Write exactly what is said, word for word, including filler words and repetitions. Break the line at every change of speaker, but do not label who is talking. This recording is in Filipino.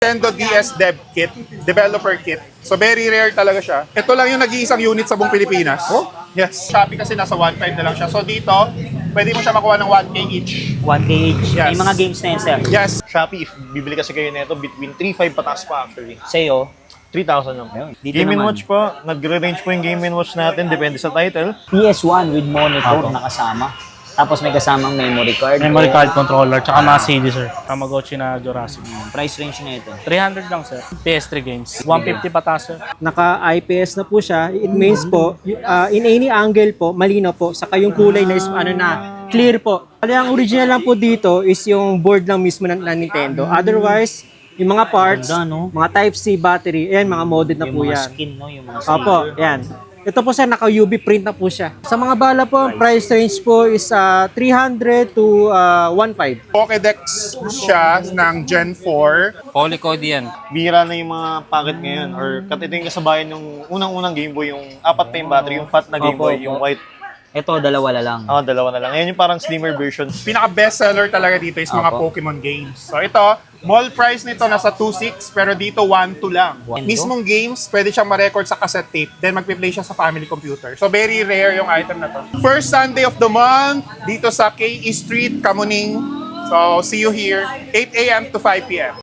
Nintendo D S Dev Kit, Developer Kit. So very rare talaga siya. Ito lang yung nag-iisang unit sa buong Pilipinas.
Oh?
Yes. Shopee kasi nasa one point five na lang siya. So dito, pwede mo siya makuha ng one K each.
one K each.
Yes.
May mga games na yun, sir.
Yes.
Shopee, if bibili kasi kayo nito between three five pataas pa actually.
Sa'yo,
three thousand lang.
Ayun, dito
Game and
naman.
Watch po, nagre-range po yung Game and Watch natin, depende sa title.
P S one with monitor na kasama. Tapos may kasamang memory card.
Memory
O,
card controller, tsaka mga C D, sir. Tamagotchi na Jurassic.
Price range na ito.
three hundred lang, sir. P S three games. one fifty pataas, sir.
Naka-I P S na po siya. It means po, y- uh, in any angle po, malino po. Saka yung kulay na is ano na, clear po. Kali ang original lang po dito is yung board lang mismo ng, ng Nintendo. Otherwise, yung mga parts,
Ganda, no?
mga Type-C battery, ayan, mga modded na
Yung
po
mga
yan.
skin, no? Yung mga
Opo, yan. Ito po sir, naka-U V print na po siya. Sa mga bala po, ang price range po is uh, three hundred to uh, one point five.
Pokédex siya ng Gen four.
Polycode yan.
Bira na yung mga packet ngayon or kat ito yung kasabayan yung unang-unang Game Boy, yung apat pa yung battery, yung fat na Game
Opo,
Boy, yung
opo.
white.
Ito, dalawa na lang.
Ah, dalawa na lang. Ngayon yung parang slimmer version.
Pinaka-best seller talaga dito is mga
Apo.
Pokemon games. So ito, mall price nito nasa two six pero dito one two lang.
one two?
Mismong games, pwede siyang ma-record sa cassette tape, then magpe-play siya sa family computer. So very rare yung item na to. First Sunday of the month, dito sa K E Street, Kamuning. So see you here, eight a m to five p m